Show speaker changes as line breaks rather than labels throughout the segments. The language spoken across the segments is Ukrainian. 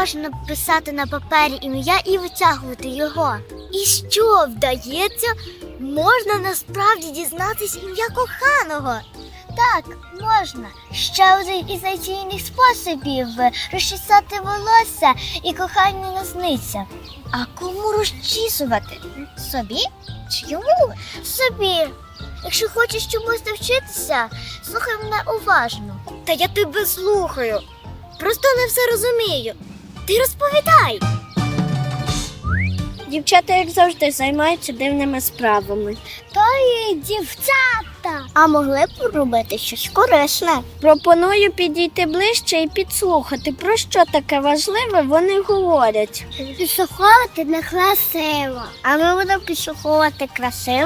можна писати на папері ім'я і витягувати його. І що, вдається? Можна насправді дізнатись ім'я коханого. Так, можна. Ще один із надійних способів розчісати волосся і кохання насниться. А кому розчісувати? Собі? Чи йому? Собі. Якщо хочеш чомусь навчитися, слухай мене уважно. Та я тебе слухаю. Просто не все розумію. Ти розповідай.
Дівчата, як завжди, займаються дивними справами.
То і дівчата. А могли б робити щось корисне.
Пропоную підійти ближче і підслухати, про що таке важливе вони говорять.
Підслуховувати не красиво. А ми будемо підслуховувати красиво?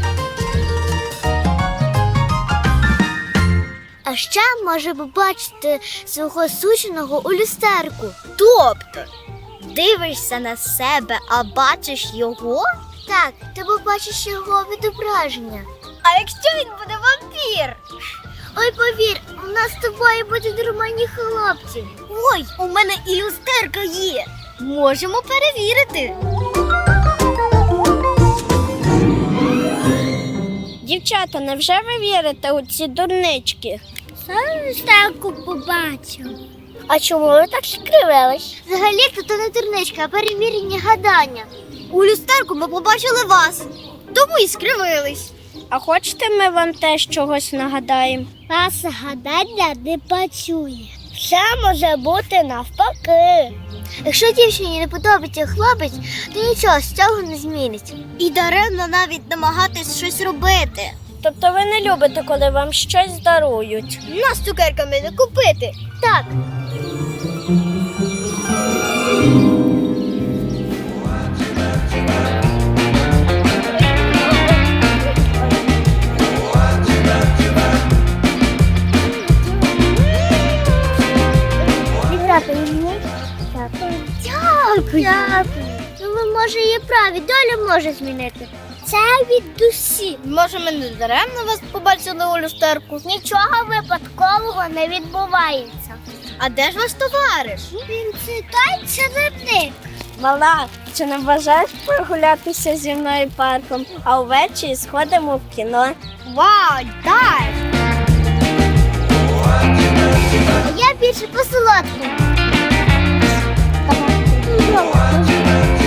А ще може побачити свого суженого у люстерку. Тобто, дивишся на себе, а бачиш його? Так, ти побачиш його відображення. А якщо він буде вампір? Ой, повір, у нас з тобою будуть нормальні хлопці. Ой, у мене і люстерка є. Можемо перевірити.
Дівчата, невже ви вірите у ці дурнички?
Сам люстерку побачив. А чому ви так скривились? Взагалі-то то не дурничка, а перевірені гадання. У люстерку ми побачили вас, тому і скривились.
А хочете, ми вам теж чогось нагадаємо?
Вас гадання не працює. Все може бути навпаки. Якщо дівчині не подобається хлопець, то нічого з цього не зміниться. І даремно навіть намагатись щось робити.
Тобто ви не любите, коли вам щось дарують?
Нас цукерками не купити. Так. Дякую. Ну, ви, може, є праві, доля може змінити. Це від душі.
Може, ми не даремно вас побачили у люстерку?
Нічого випадкового не відбувається.
А де ж ваш товариш?
Він це той чарівник.
Мала, чи не бажаєш прогулятися зі мною парком, а ввечері сходимо в кіно?
Вау, дай! Я більше по солодкому.